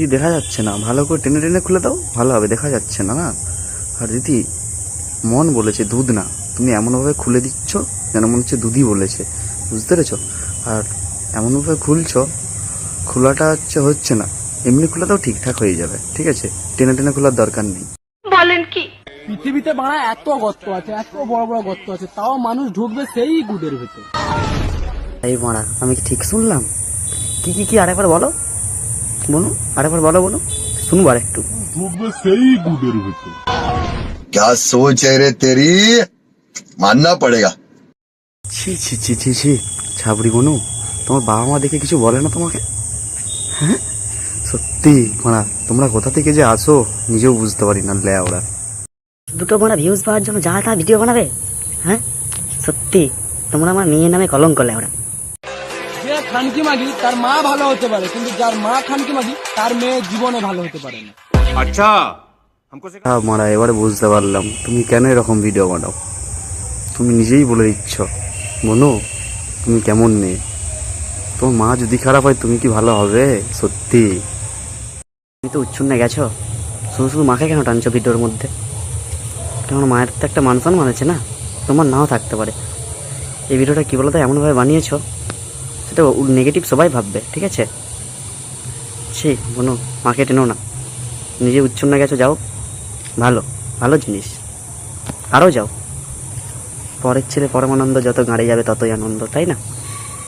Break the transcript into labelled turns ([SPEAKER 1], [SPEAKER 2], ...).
[SPEAKER 1] দেখা যাচ্ছে না, ভালো করে টেনে টেনে খুলে দাও, ভালো হবে। দেখা যাচ্ছে না না। আর দিদি, মন বলেছে দুধ না, তুমি এমনভাবে খুলে দিচ্ছ যেন মনে হচ্ছে দুধই বলেছে, বুঝতে পেরেছো? আর এমনভাবে খুলছো, খোলাটা হচ্ছে না, এমনি খুলে দাও, ঠিকঠাক হয়ে যাবে, ঠিক আছে? টেনে টেনে খোলার দরকার নেই।
[SPEAKER 2] বলেন কি?
[SPEAKER 3] পৃথিবীতে বাড়া এত গর্ত আছে, এত বড় বড় গর্ত আছে, তাও মানুষ ঢুকবে সেই গুদের ভেতর।
[SPEAKER 1] এই মারা, আমি কি ঠিক শুনলাম? কি কি কি আরেকবার বলো, বলো আরেকবার বলো, বলো শুনবো আর একটু।
[SPEAKER 3] ঢুকবে সেই গুদের ভেতর।
[SPEAKER 4] क्या सोच है रे तेरी, मानना पड़ेगा।
[SPEAKER 1] ছি ছি ছি ছি ছি, ছাবড়ি বনু, তোমার বাবা মা দেখে কিছু বলে না তোমাকে? হ্যাঁ সত্যি মারা, তোমরা কোথা থেকে যে আসো নিজেও বুঝতে পারি না। ওরা
[SPEAKER 5] দুটো বোনা ভিউজ পাওয়ার জন্য যা তা ভিডিও বানাবে। হ্যাঁ সত্যি তোমরা আমার মেয়ের নামে কলঙ্ক লেওড়া।
[SPEAKER 3] যে খানকি মাগি তার মা ভালো হতে পারে, কিন্তু যার মা খানকি মাগি তার মেয়ে জীবনে ভালো হতে পারে না।
[SPEAKER 1] হ্যাঁ মারা, এবারে বুঝতে পারলাম তুমি কেন এরকম ভিডিও বানাও। তুমি নিজেই বলে দিচ্ছ বনু, তুমি কেমন মেয়ে। তোমার মা যদি খারাপ হয় তুমি কি ভালো হবে? সত্যি
[SPEAKER 5] তুমি তো উচ্ছন্নে গেছো, শুধু শুধু মাকে কেন টানছো ভিডিওর মধ্যে? কেমন মায়ের তো একটা মান সম্মান আছে না, তোমার নাও থাকতে পারে। এই ভিডিওটা কী বলো তো এমনভাবে বানিয়েছো, সেটা নেগেটিভ সবাই ভাববে, ঠিক আছে? ছি বোনো, মাকে টেনো না, নিজে উচ্ছন্নে গেছো, যাও, ভালো ভালো জিনিস, আরও যাও। পরের ছেলে পরমানন্দ, যত গাড়ি যাবে ততই আনন্দ, তাই না?